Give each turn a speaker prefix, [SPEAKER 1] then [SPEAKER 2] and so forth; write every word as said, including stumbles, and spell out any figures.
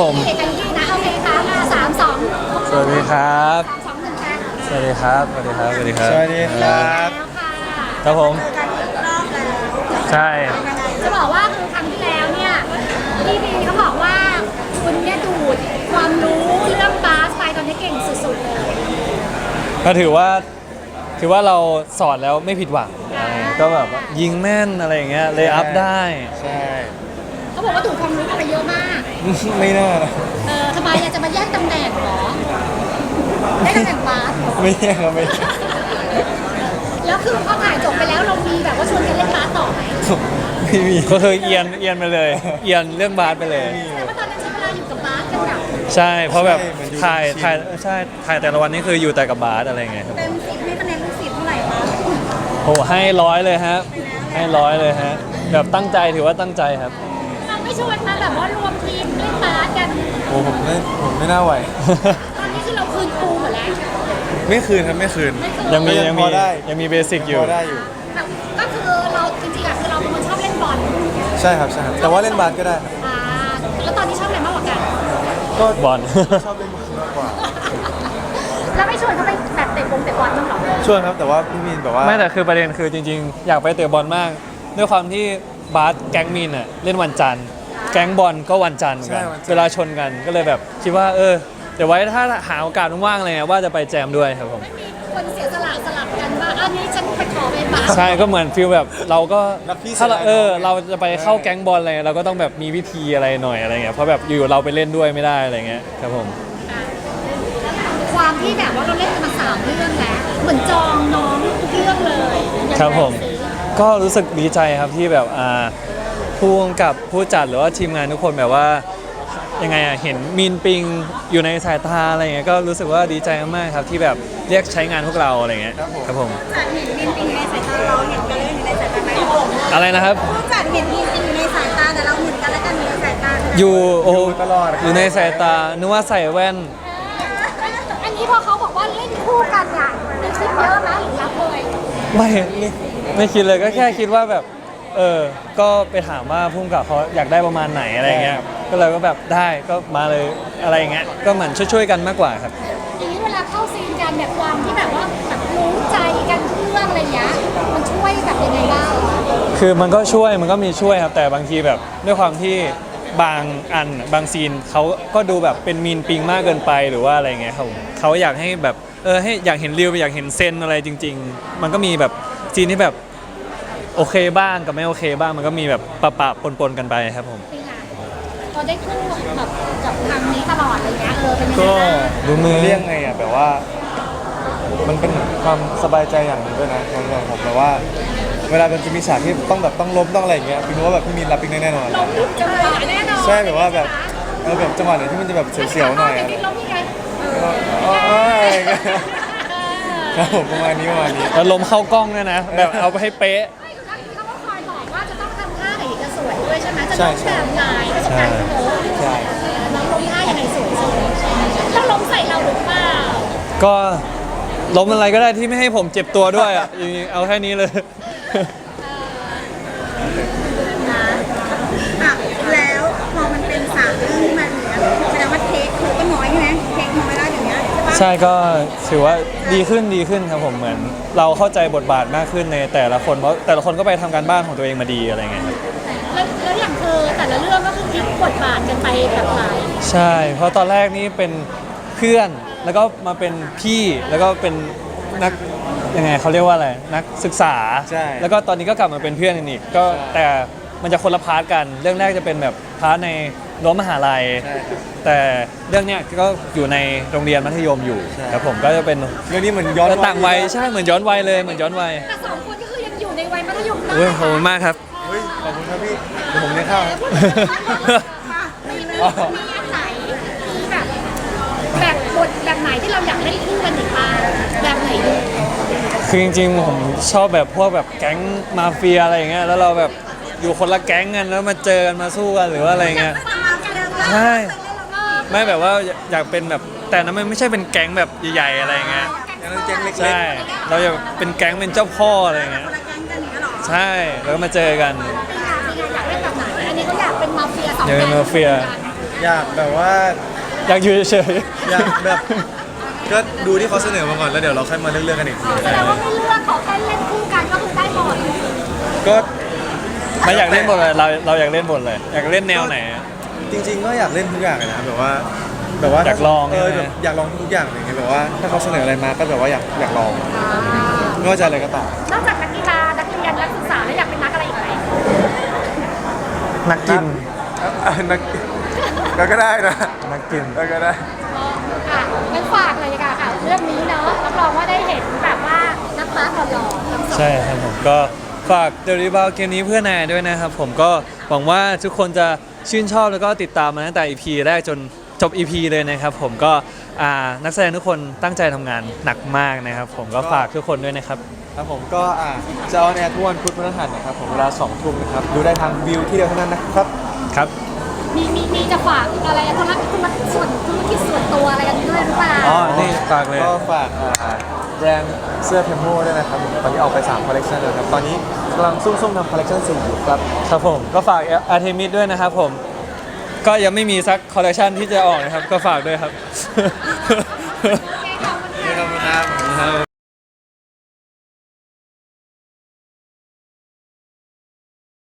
[SPEAKER 1] ผม
[SPEAKER 2] เอกกันที่นะโอเคค่ะมาสามสอง
[SPEAKER 1] สวัสดีครับ
[SPEAKER 2] สามสองหนึ่งค่ะ
[SPEAKER 1] สวัสดีครับสวัสดีครับสวัสดีครับ
[SPEAKER 3] สวัสดีครับ
[SPEAKER 2] แล้วค่ะ
[SPEAKER 1] ครับผม
[SPEAKER 2] เจอกันอีกรอบแล้ว
[SPEAKER 1] ใช่
[SPEAKER 2] จะบอกว่าคือครั้งที่แล้วเนี่ยพี่บีเขาบอกว่าคุณเนี่ยดูดความรู้เรื่องบาสไปตอนนี้เก่งสุดๆเลย
[SPEAKER 1] ก็ถือว่าถือว่าเราสอนแล้วไม่ผิดหวังอะไรก็แบบว่ายิงแม่นอะไรอย่างเงี้ยเลยอัพได้
[SPEAKER 3] ใช่
[SPEAKER 2] เขาบอกว่าดูดความรู้ไปเยอะมาก
[SPEAKER 3] ไม่น่านะ
[SPEAKER 2] เออทำไมอยากจะมาแย่งตำแหน่งเหรอได้ตำแหน่งบาสเหรอ
[SPEAKER 3] ไม่ใช่ครับไม่ใช่
[SPEAKER 2] แล้วคือพอถ่ายจบไปแล้วเรามีแบบว่าชวนกันเล่นบาสต่อไหม
[SPEAKER 3] ไม่มี
[SPEAKER 1] ก็คือเอียนเอียนไปเลย เอียนเรื่องบาสไปเลย
[SPEAKER 2] แต่ว่าตอนนั้นใช้เวลาอยู่กับบาสกันแบบ
[SPEAKER 1] ใช่เพราะแบบ
[SPEAKER 3] ใช่เหมือนอยู่
[SPEAKER 1] ถ่าย
[SPEAKER 3] ชิน
[SPEAKER 1] ถ่ายใช่ถ่ายแต่ละวันนี่คืออยู่แต่กับบาสอะไรเงี้ยครับ
[SPEAKER 2] เต็มสิบให้คะแนนลูกศิษย์เท่าไหร่คะ
[SPEAKER 1] โอ้ให้ร้อยเลยฮะให้ร้อยเลยฮะแบบตั้งใจถือว่าตั้งใจครับ
[SPEAKER 2] เราไม่ชวนมาแบบว่ารวมทีมเล่นบาสกัน
[SPEAKER 3] โอ้ผมไม่ผมไม่น่าไหว
[SPEAKER 2] ตอนนี้คือเราคืนครูหมดแล้ว
[SPEAKER 3] ไม่คืนครับไม่คืน
[SPEAKER 2] ไม่คืน
[SPEAKER 1] ยังมี
[SPEAKER 3] ก็ยั
[SPEAKER 1] ยัง
[SPEAKER 3] ง
[SPEAKER 1] มี
[SPEAKER 3] พอได้
[SPEAKER 1] ยังมีเบสิกอยู่
[SPEAKER 3] พอได้อยู่
[SPEAKER 2] ก็คือเราจริงๆอะคือเราเป็นคนชอบเล่นบอล
[SPEAKER 3] ใช่ครับใช่ครับแต่ว่าเล่นบาสก็ได้ครับ
[SPEAKER 2] อ่าแล้วตอนนี้ชอบอะไรมากกว่ากัน
[SPEAKER 3] ก็
[SPEAKER 1] บอล
[SPEAKER 3] ชอบเล่นบาสมากกว่า
[SPEAKER 2] แล้วไม่ชวนเขาไปแบบเตะบงเตะบอลบ้างเหรอ
[SPEAKER 3] ช่วยครับแต่ว่าพี่มีนแบบว่า
[SPEAKER 1] ไม่แต่คือประเด็นคือจริงๆ อยากไปเตะบอลมาก ด้วยความที่บาสแก๊งมีนอ่ะเล่นวันจันทร์แก๊งบอลก็วันจันทร์เหมือนกันเวลาชนกันก็เลยแบบคิดว่าเออเดี๋ยวไว้ถ้าหาโอกาสว่างๆเลยอะว่าจะไปแจมด้วยครับผม
[SPEAKER 2] ไม่มีคนเสียสละสลับกันว่าอันนี้ฉันไปขอไปบาส
[SPEAKER 1] ใช่ก็เหมือนฟีลแบบเราก็
[SPEAKER 3] รักพี่
[SPEAKER 1] ถ้าเรา
[SPEAKER 3] เสียดาย
[SPEAKER 1] เออ
[SPEAKER 3] น้อง
[SPEAKER 1] เราจะไปเข้าแก๊งบอลอะไรเราก็ต้องแบบมีวิธีอะไรหน่อยอะไรเงี้ยเพราะแบบอยู่ๆเราไปเล่นด้วยไม่ได้อะไรเงี้ยครับผม
[SPEAKER 2] อ่ะความที่แบบว่าเราเล่นกันมาสามเรื่องแล้วเหมือนจองน้องทุกเรื่องเลยยังไง
[SPEAKER 1] ครับผม
[SPEAKER 2] สิ
[SPEAKER 1] ก็รู้สึกดีใจครับที่แบบอ่าผู้กำกับผู้จัดหรือว่าทีมงานทุกคนแบบว่ายังไงอ่ะเห็นมีนปิงอยู่ในสายตาอะไรเงี้ยก็รู้สึกว่าดีใจมากๆครับที่แบบเรียกใช้งานพวกเราอะไรเงี้ยครับผม
[SPEAKER 2] จัดเห็นมินปิงอยู่ในสายตาเราเห็นกันเลยอยู่ในสายตาไหม
[SPEAKER 1] อะไรนะครับ
[SPEAKER 2] ผู้จัดเห็นมินปิงอยู่ในสายตาแต่เราเห็นกันแล้วกันอยู่ในสายตา
[SPEAKER 1] อยู่โอ้
[SPEAKER 3] อยู่ตลอดครับ
[SPEAKER 1] อยู่ในสายตานึกว่าใส่แว่น
[SPEAKER 2] อันนี้พอเขาบอกว่าเล่นคู่กันเนี่ยมีคิดเยอะไหมหรือรับเลย
[SPEAKER 1] ไม่ไม่คิดเลยก็แค่คิดว่าแบบเออก็ไปถามว่าพุ่มกับเขาอยากได้ประมาณไหนอะไรเงี้ยก็เลยก็แบบได้ก็มาเลยอะไรเงี้ยก็เหมือนช่วยๆกันมากกว่าครับ
[SPEAKER 2] อย่างนี้เวลาเข้าซีนกันแบบความที่แบบว่าแบบรู้ใจกันทุกเรื่องอะไรเงี้ยมันช่วยแบบยังไงบ้าง
[SPEAKER 1] คือมันก็ช่วยมันก็มีช่วยครับแต่บางทีแบบด้วยความที่บางอันบางซีนเขาก็ดูแบบเป็นมีนปิงมากเกินไปหรือว่าอะไรเงี้ยครับผมเขาอยากให้แบบเออให้อยากเห็นเรียวอยากเห็นเซนอะไรจริง ๆ มันก็มีแบบซีนที่แบบโอเคบ้างกับไม่โอเคบ้างมันก็มีแบบปะปะปนปนๆกันไปครับผม
[SPEAKER 2] ปีหน้าพอได้คู่แบบกับทางนี้ตลอดอะไรเงี้ยเออเป็นยังไง
[SPEAKER 3] ก็
[SPEAKER 2] บ้าง
[SPEAKER 1] ดูมือ
[SPEAKER 3] เรียกไงอ่ะแบบว่า มันเป็นความสบายใจอย่างหนึ่งด้วยนะของของผมแบบว่า เวลามันจะมีฉากที่ต้องแบบต้องล้มต้องอะไรอย่างเงี้ยพี่รู้ว่าแบบพี่มีนรับปิงได้แน่นอน
[SPEAKER 2] ล้มจังหวะแน่นอน
[SPEAKER 3] ใช่แบบว่าแบบเออแบบจังหวะไหนที่มันจะแบบเสียวๆหน่อย
[SPEAKER 2] แต่
[SPEAKER 3] อะ
[SPEAKER 2] ที่ล้มยังไงเออ
[SPEAKER 3] อ๋ออ๋ออะไรอย่างเงี้ยครับผมประมาณนี้ประมาณนี้
[SPEAKER 1] แล้วลมเข้ากล้องด้วยนะ แบบเอาไปให้เป๊ะ
[SPEAKER 2] ไม่คือเขาก็คอยบอกว่าจะต้องทำท่าไหนจะสวยด้วยใช่ไหมจะ
[SPEAKER 3] ใช่
[SPEAKER 2] ต้อง
[SPEAKER 3] ใช่
[SPEAKER 2] แบบไหนไม่ใช่การโม้
[SPEAKER 3] ใช่
[SPEAKER 2] น้องล้มท่ายังไงสวยสุดแล้วล้มใส่เราหรือเปล่า
[SPEAKER 1] ก็ล้มอะไรก็ได้ที่ไม่ให้ผมเจ็บตัวด้วยอ่ะจริงๆเอาแค่นี้เลย
[SPEAKER 2] นะอ่ะแล้วพอมันเป็นสามเรื่องที่มันอย่างเงี้ยแสดงว่าเทคคือก็น้อยใช่ไหมเทคน้อยแล้วอย่างเงี้ยใช่ปะ
[SPEAKER 1] ใช่ก็ถือว่าดีขึ้นดีขึ้นครับผมเหมือน เราเข้าใจบทบาทมากขึ้นในแต่ละคนเพราะแต่ละคนก็ไปทำการบ้านของตัวเองมาดีอะไรเงี้ยครับ
[SPEAKER 2] แล้วแล้วอย่างเธอแต่ละเรื่องก็คือพลิกบทบาทกันไปแบบหลาย
[SPEAKER 1] ใช่ เพราะตอนแรกนี่เป็นเพื่อนแล้วก็มาเป็นพี่แล้วก็เป็นนักยังไงเขาเรียกว่าอะไรนักศึกษา
[SPEAKER 3] ใช่
[SPEAKER 1] แล้วก็ตอนนี้ก็กลับมาเป็นเพื่อนกันอีกก็แต่มันจะคนละพาร์ทกัน เรื่องแรกจะเป็นแบบพาร์ทในรั้วมหาลัย
[SPEAKER 3] ใช่ครับ
[SPEAKER 1] แต่เรื่องเนี้ยก็อยู่ในโรงเรียนมัธยมอยู่
[SPEAKER 3] ใช่
[SPEAKER 1] ครับผมก็จะเป็น
[SPEAKER 3] เรื่องนี้เหมือนย้อน
[SPEAKER 1] ต่างวัยใช่เหมือนย้อนวัยเลยเหมือนย้อนวัย
[SPEAKER 2] แต่สองคนก็คือยังอยู่ในวัยมัธยมนะ
[SPEAKER 1] อุ้ยขอบคุณมากครับ
[SPEAKER 3] เฮ้ยขอบคุณครับพี่เดี๋ยวผมได้เข้า
[SPEAKER 2] มีมีมีอันไหนมีแบบแบบบทแบบไหนที่เราอยากเล่นคู่กันอีกบ้างแบบไหนดี
[SPEAKER 1] คือจริงๆผมชอบแบบพวกแบบแก๊งมาเฟียอะไรอย่างเงี้ยแล้วเราแบบอยู่คนละแก๊งกันแล้วมาเจอกันมาสู้กันหรือว่าอะไรเงี้ย ใช่ ไม่แบบว่าอยากเป็นแบบแต่นั้นมันไม่ใช่เป็นแก๊งแบบใหญ่ๆอะไรเงี้ย
[SPEAKER 3] อย่างนั้นแก๊งเล็กๆ
[SPEAKER 1] ใช่ เราจะเป็นแก๊งเป็นเจ้าพ่ออะไรเงี้ยใช่แล้วก็มาเจอกัน
[SPEAKER 2] ปีหน้าปีหน้าอยากเล่นแบบไหนอันนี้เขาอยากเป็นมาเฟียสอง
[SPEAKER 1] อยากเป็น
[SPEAKER 2] แก๊ง
[SPEAKER 1] มาเฟีย
[SPEAKER 2] อ
[SPEAKER 3] อยากแบบว่า
[SPEAKER 1] อยากอยู่เฉย
[SPEAKER 3] อยากแบบก็ดูที่เขาเสนอมาก่อนแล้วเดี๋ยวเราค่อยมาเลือกเลือกกันอีกที
[SPEAKER 2] แสดงว่าไม่เลือกขอแค่เล่นคู่กันก็คือได้หมด
[SPEAKER 3] ก็
[SPEAKER 1] ๆไม่อยากเล่นบทเลยเราเราอยากเล่นบทเลย อยากเล่นแนวไหนอะ
[SPEAKER 3] จริง ๆ ก็อยากเล่นทุกอย่างเลยนะแบบว่าแบบว่า
[SPEAKER 1] อยากลอง
[SPEAKER 3] เออ
[SPEAKER 1] ใช่ไหม
[SPEAKER 3] แบบอยากลองทุกอย่างอะไรเงี้ยแบบว่าถ้าเขาเสนออะไรมาก็แบบว่าอยากอยากลองไม่ว่าจะอะไรก็ตาม
[SPEAKER 2] นอกจากนักกีฬานักเรียนนักศึกษาแล้วอยากเป็นนักอะไรอีกไหม
[SPEAKER 1] นักกิน
[SPEAKER 3] อ่ะนักก็ก็ได้นะ
[SPEAKER 1] นักกิน
[SPEAKER 3] เออก็ได้
[SPEAKER 2] อ่ะงั้นฝากเลยดีกว่าค่ะเรื่องนี้เนาะรับรองว่าได้เห็นแบบว่านักบาสหล่อๆทั้งสอง
[SPEAKER 1] ใช่ครับผมก็ฝากเดลิบาลเกมนี้เพื่อนายด้วยนะครับผมก็หวังว่าทุกคนจะชื่นชอบแล้วก็ติดตามมาตั้งแต่ อี พี แรกจนจบ อี พี เลยนะครับผมก็อ่านักแสดงทุกคนตั้งใจทำงานหนักมากนะครับผมก็ฝากทุกคนด้วยนะครับ
[SPEAKER 3] ครับผมก็อ่ะจะออนแอร์ทุกวันพุธพฤหัสนะครับผมเวลาสองทุ่มนะครับดูได้ทางวิวที่เดียวเท่านั้นนะครับ
[SPEAKER 1] ครับ
[SPEAKER 2] มีมีมีจะฝากอะไรธุรกิจธุรกิจส่วนธุรกิจส่วนตัวอะไรกันด้วยหรือเปล่า
[SPEAKER 1] อ๋อ นี่ฝากเลย
[SPEAKER 3] ก็ฝากอ่าแบรนด์เสื้อเพมโมด้วยนะครับผมตอนนี้ออกไปสามคอลเลคชันแล้วครับตอนนี้กำลังซุ่มๆทำคอลเลคชันสี่อยู่ครับ
[SPEAKER 1] ครับผมก็ฝากอาร์เทมิสด้วยนะครับผม ก็ยังไม่มีสักคอลเลคชันที่จะออกนะครับ ก็ฝากด้วยครับ